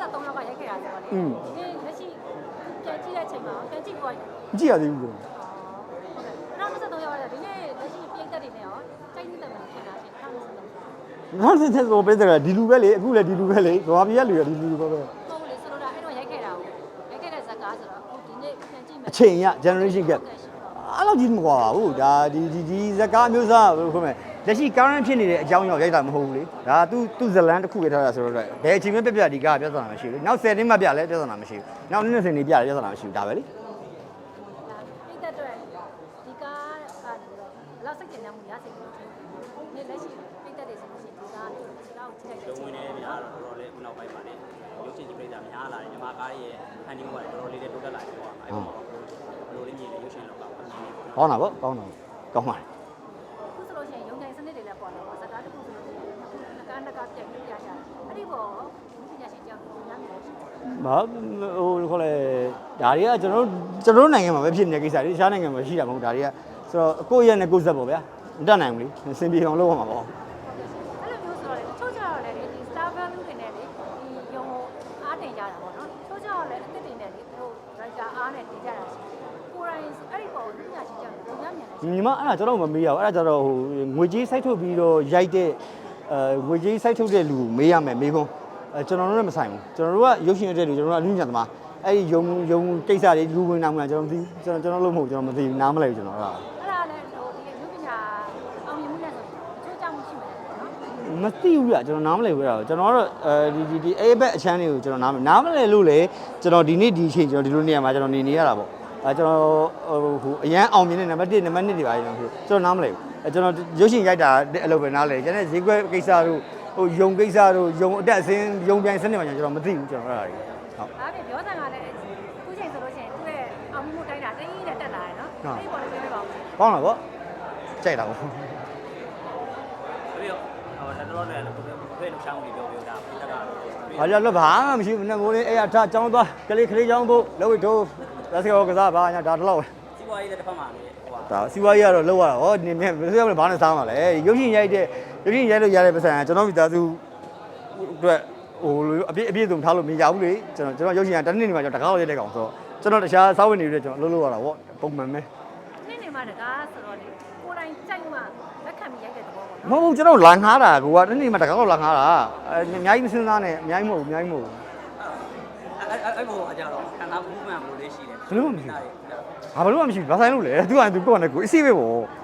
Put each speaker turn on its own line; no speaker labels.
3လောက်ကရိုက်ခဲ့တာဆိုတော့လေဒီလက်ရှိပြန်ကြည့်တဲ့အချိန်မှာပြန်ကြည့်ပေါ်
ကြည့်ရသေးဘူးကျွန်
တော်2023ရောက်ရတယ်ဒီနေ့လက်ရှိပြိတ္တတွေနဲ့ရောစိတ်ညစ်တယ်မှဖြစ်တာရှင်2023
နောက်စစ်ဆိုပေးတယ်ဒီလူပဲလေအခုလည်းဒီလူပဲလေဘာပြရလူရဒီလူပဲ
ဟုတ်လေဆိုတော့အဲ့တော့ရိုက်ခဲ့တာကိုရိုက်ခဲ့တဲ့ဇာတ်ကားဆိုတော့ဒီနေ့ပြန်ကြည့်မယ်
အချိန်ရ generation gap အဲ့လိုကြီးမကွာဘူးဒါဒီဇကားမျိုးစားဘယ်လိုခေါ်မလဲလက်ရှိ current ဖြစ်နေတဲ့အကြောင်းကြောင့်ရိုက်တာမဟုတ်ဘူးလေဒါသူဇလန်တစ်ခုပဲထားတာဆိုတော့ဘယ်အချိန်မှပြဒီကားပြဿနာမရှိဘူးလေနောက်10နှစ်မှပြလဲပြဿနာမရှိဘူးနောက်20နှစ်ပြလဲပြဿနာမရှိဘူးဒါပဲလေ
ပြိတ္တတွေဒီကားကနေတော့ဘယ်လောက်စိတ်ကျဉ်မှုရစိတ်လို့ဒီလက်ရှိပြိတ္တတွေဆိုလို့ရှိရင်ဒီကားကိုကြည့်လိုက်တယ်
ဝင်နေများတော့တော်တော်လေးခုနောက်ပိုင်းမှာလည်းရုပ်ရှင်ကြီးပြိတ္တာများလာတယ်ညီမကားရဲ့ဖန်တီးမှုကတော်တော်လေးတိုးတက်လာတယ်ပေါ့အဲ့တော့ဘယ်လိုလေးမြင်လဲရုပ်ရှင်လောကမှာ
ကောင်းတာပေါ့ကောင်းပါတယ်
ခုဆိုလို့ရှိရင်ရုံတိုင်းစနစ်တွေလည်းပေါ်လာပေါ့စကားတစ်ခုဆိုလို့ရှိရင်နှစ်ကားပြန်ပြရကြအဲ့ဒီပေါ်ပညာရှင်ကြောင့်များများရှိ
ဘာဟိုခေါ်လဲဒါတွေကကျွန်တော်နိုင်ငံမှာပဲဖြစ်နေတဲ့ကိစ္စတွေတခြားနိုင်ငံမှာရှိတာမဟုတ်ဒါတွေကဆိုတော့ကိုယ့်ရဲ့နဲ့ကိုယ့်ဇက်ပေါ့ဗျာမတတ်နိုင်ဘူးလေစင်ပြေအောင်လုပ်ရမှာပေါ့
အဲ့လိုမျိုးဆိုတော့ချိုးကြတော့လေဒီ star value တွေနဲ့လေဒီရုံအားတင်ကြတာပေါ့နော်ချိုးကြတော့လေအစ်စ်တွေနဲ့လေသူတို့ writer အားနဲ့တင်ကြတာရှိကိုယ်တိုင်အဲ့ဒီပေါ်ပညာရှင်ကြောင့်များများလဲ
ညီမအဲ့ဒါကျွန်တော်မမေးရဘူးအဲ့ဒါကျတော့ဟိုငွေကြေးစိုက်ထုတ်ပြီးတော့ရိုက်တဲ့ငွေကြေးစိုက်ထုတ်တဲ့လူမေးရမယ်မေးခွန်းကျွန်တော်တို့လည်းမဆိုင်ဘူးကျွန်တော်တို့ကရုပ်ရှင်ရတဲ့လူကျွန်တော်တို့ကအလူညံသမားအဲ့ဒီယုံကိစ္စတွေလူဝင်နာမှုလားကျွန်တော်မသိကျွန်တော်လို့မဟုတ်ကျွန်တော်မသိဘူးနားမလဲဘူးကျွန်တော်အဲ့ဒါ
လည်းဟိုဒီရုပ်ပညာအောင်မြင်မှုနဲ့ဆိုချိုးကြမှုရှိမှာလေ
နော်မသိဘူးလားကျွန်တော်နားမလဲဘူးအဲ့ဒါကျွန်တော်ကတော့ဒီအဲ့ဘက်အချမ်းတွေကိုကျွန်တော်နားမလဲလို့လေကျွန်တော်ဒီနေ့ဒီအချိန်ကျွန်တော်ဒီလိုနေရာမှာကျွန်တော်နေရတာပေါ့ကျွန်တော်ဟိုအရန်အောင်မြင်တဲ့နံပါတ်1နံပါတ်2တွေပါကျွန်တော်နားမလဲဘူးကျွန်တော်ရုပ်ရှင်ရိုက်တာအဲ့လိုပဲနားလဲကျွန်တော်ဈေးကွက်ကိစ္စတို့ဟိုယုံကိစ္စတို့ယုံအတက်အစင်းယုံပြိုင်စနစ်မှာကျွန်တော်မသိဘူးကျွန်တော်အဲ့ဒါတွေ
ဟုတ်ဒါပေမဲ့ပြောစံကလည်းခုချိန်ဆိုလို့ရှိရင်သူ့ရဲ့အောင်မြင်မှုတိုင်းတာတင်းကြီးနဲ့တက်လာတယ်နော်အဲ့ဒီပေါ်လည်းပြောပြပါဦး
ကောင်းတာပေါ့ကြိုက်တာပေါ့
ပြီးတော့ဟိုတော်တော်လည်းဘယ်လိုချောင်းလေးပြောတာပြတ်တာ
ဘာကြလို့ဘာမှမရှိဘူးနဲ့မိုးလေးအဲ့အထចောင်းသွားကလေးချောင်းဖို့လှုပ်ထိုးလက်စကောကစားဘာညာဒါတော့
စီးပွားရေးလည်းတစ်ဖက်မှာလေဟို
ဒါစီးပွားရေးကတော့လှုပ်ရတာဟောနေမြဲဘယ်လိုလဲဘာနဲ့စားမှာလဲရုပ်ရှင်ရိုက်လို့ရတဲ့ပတ်စံကျွန်တော်မိသားစုအတွက်ဟိုအပြည့်စုံထားလို့မရဘူးလေကျွန်တော်ရုပ်ရှင်ကတစ်နှစ်နေမှာကျွန်တော်တကားရိုက်တဲ့ကောင်ဆိုတော့ကျွန်တော်တခြားစားဝင်နေတဲ့ကျွန်တော်လှုပ်ရတာပေါ့ပုံမှန်ပဲ
နှစ်နေမှာတကားဆိုတော့လေကိုယ်တိုင်ကြိုက်မှလက်ခံပြီးရိုက်တဲ့သဘောပေါ့
နော်မဟုတ်ဘူးကျွန်တော်လာငားတာကိုကတစ်နေ့မှာတကားတော့လာငားတာအများကြီးမစဉ်းစားနဲ့အများကြီးမဟုတ်ဘူး
အဲ့ဘောအကြတော့ခန္ဓာမှုမှန်လို့လေးရှိတယ်
ဘယ်လိုမှမရှိဘူးဘာလို့မှမရှိဘူးဘာဆိုင်လို့လဲသူကသူကိုယ့်နဲ့ကိုအစ်စိပဲပေါ့